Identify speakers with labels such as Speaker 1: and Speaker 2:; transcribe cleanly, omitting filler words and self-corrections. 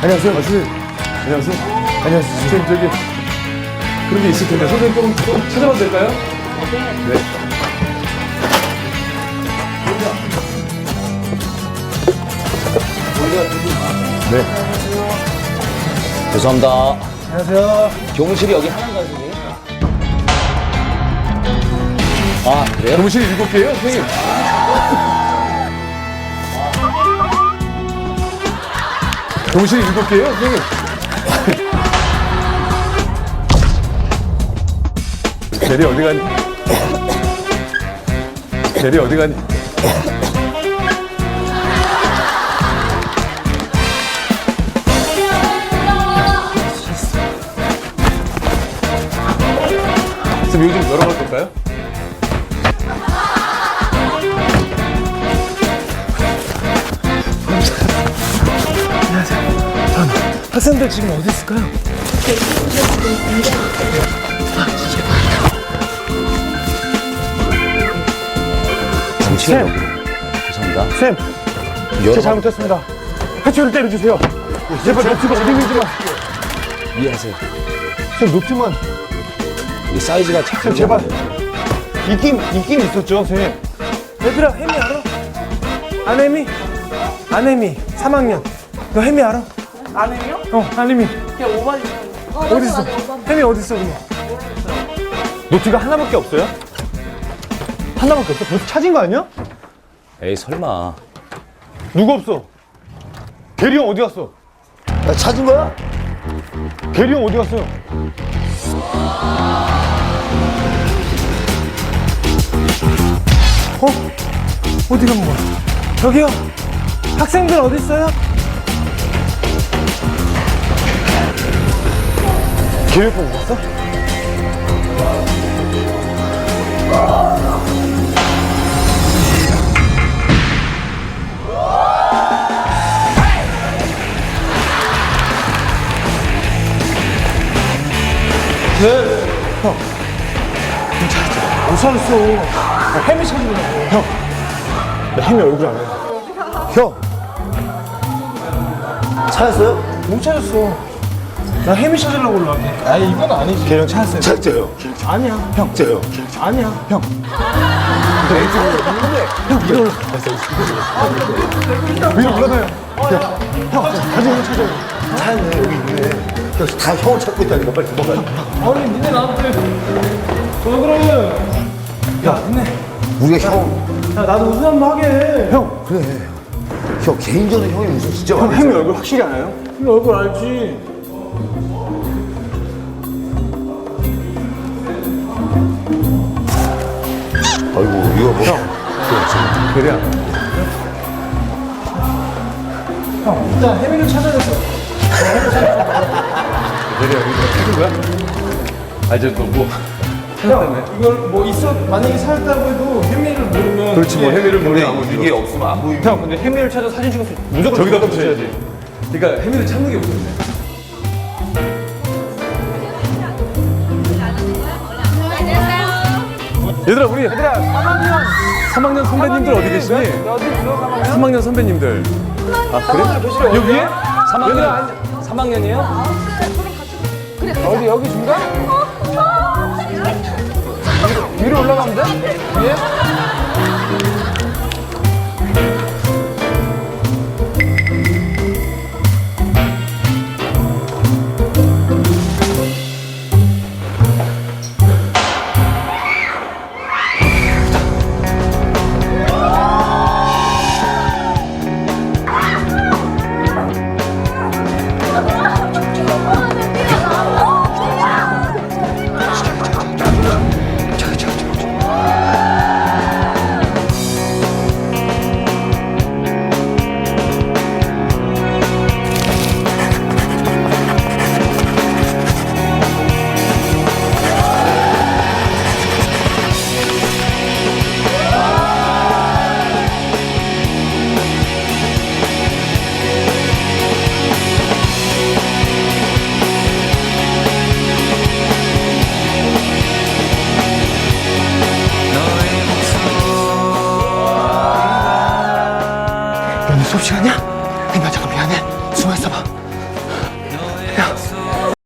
Speaker 1: 안녕하세요. 선생님. 안녕하세요. 안녕하세요. 선생님, 저기 그런 게 있을 텐데 선생님 조금 찾아봐도 될까요? 네. 네.
Speaker 2: 죄송합니다.
Speaker 1: 안녕하세요.
Speaker 2: 교무실이 여기 하나인가요, 선생님? 아, 그래요?
Speaker 1: 교무실이 7개예요, 선생님. 교무실이 7개예요, 선생님. 대리 어디 가니? 대리 어디 가니? 선생님, 이거 좀 열어봐도 될까요?
Speaker 3: 학생들 지금 어디 있을까요?
Speaker 2: 잠시만요. 죄송합니다.
Speaker 3: 쌤, 제 잘못했습니다. 해초를 때려주세요. 제발 노트가 어디 있는지 만.
Speaker 2: 이해하세요.
Speaker 3: 쌤, 노트만.
Speaker 2: 이게 사이즈가
Speaker 3: 쌤, 제발. 있긴 있었죠, 쌤. 얘들아, 혜미 알아? 안혜미? 안혜미, 3학년. 너 혜미 알아?
Speaker 4: 안해요?
Speaker 3: 안혜미.
Speaker 4: 그냥 오바지.
Speaker 3: 어디 있어? 혜미 어디 있어, 그럼? 노트가 하나밖에 없어요? 하나밖에 없어? 벌써 찾은 거 아니야?
Speaker 2: 에이, 설마.
Speaker 3: 누구 없어? 대리 형 어디 갔어?
Speaker 5: 야, 찾은 거야?
Speaker 3: 대리 형 어디 갔어요? 어디 간 거야? 저기요? 학생들 어디 있어요? 계획 보고 갔어? 못 찾았어. 나 혜미 찾으려고. 형, 나 혜미 얼굴 안 해.
Speaker 5: 형! 찾았어요?
Speaker 3: 못 찾았어. 나 혜미 찾으려고 올라왔네. 아니, 이건 아니지. 걔형 찾았어요.
Speaker 5: 찾았어요.
Speaker 3: 아니야.
Speaker 5: 형, 저요.
Speaker 3: 아니야. 형. 위로 올라가요. 형, 가지고 찾아요.
Speaker 5: 찾았네, 여기 있네. 형, 다 형을 찾고 있다니까, 빨리 도망가.
Speaker 3: 아니, 니네 나한테. 그러면. 야, 니네.
Speaker 5: 우리가 형,
Speaker 3: 야, 나도 우승 한번 하게. 형.
Speaker 5: 그래. 형, 개인적으로 형이 무슨 진짜
Speaker 3: 형,
Speaker 5: 많이
Speaker 3: 혜미
Speaker 5: 했잖아.
Speaker 3: 얼굴 확실히 알아요? 혜미 얼굴 알지.
Speaker 5: 아이고, 이거 뭐.
Speaker 1: 대리야.
Speaker 3: 형, 일단 혜미를 찾아냈어.
Speaker 1: 대리야, 이거 찾은 거야? 아, 이제 너 뭐.
Speaker 3: 형, 이걸 뭐 있어, 만약에 찾았다고 해도 혜미를 모르면.
Speaker 1: 그렇지, 뭐, 혜미를 모르면 아무
Speaker 5: 이게 없으면 안 보이고.
Speaker 3: 형, 근데 혜미를 찾아 사진 찍어서 무조건
Speaker 1: 저기다 붙여야지. 그러니까 혜미를 찾는 게 무섭네. 얘들아, 우리 3학년 선배님들 어디 계시니?
Speaker 3: 어디 있어?
Speaker 1: 3학년 선배님들. 아, 그래? 여기 위에?
Speaker 2: 3학년, 3학년이에요?
Speaker 3: 어디, 여기 중간? 위로 올라가면 돼? 위에? 수업 시간이야? 혜미야 잠깐 미안해. 숨어 있어봐.